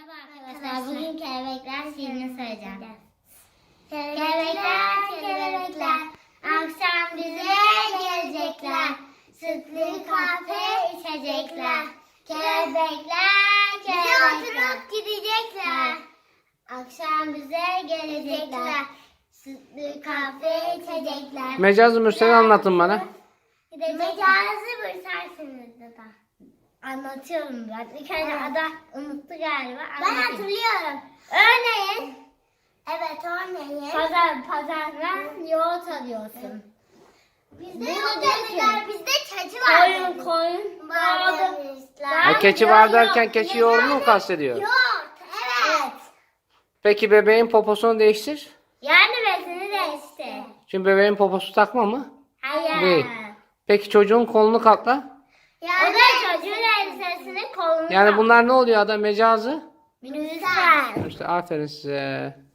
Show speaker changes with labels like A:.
A: Merhaba arkadaşlar. Bugün kelebekler şiirini söyleyeceğim. Kelebekler, kelebekler, akşam bize gelecekler. Sütlü kahve içecekler. Kelebekler, kelebekler, bize oturup gidecekler. Akşam bize gelecekler. Sütlü kahve içecekler.
B: Mecaz Mürsel anlatın bana.
A: Mecazı buyursarsınız da. Anlatıyorum ben. İlk önce ada unuttu galiba. Ben hatırlıyorum. Örneğin. Evet örneğin. Pazardan yoğurt alıyorsun. Bizde yoğurt alıyorlar. Bizde keçi var. Koyun vardı.
B: Keçi var derken keçi yoğurdunu mu kastediyor?
A: Yoğurt. Evet.
B: Peki bebeğin poposunu değiştir.
A: Yani besini değişti.
B: Şimdi bebeğin poposu takma mı?
A: Hayır.
B: Değil. Peki çocuğun kolunu katla.
A: Yani, o da çocuğun elbisesini kolunu
B: Yani bunlar ne oluyor ada mecazı?
A: Lütfen.
B: İşte aferin size.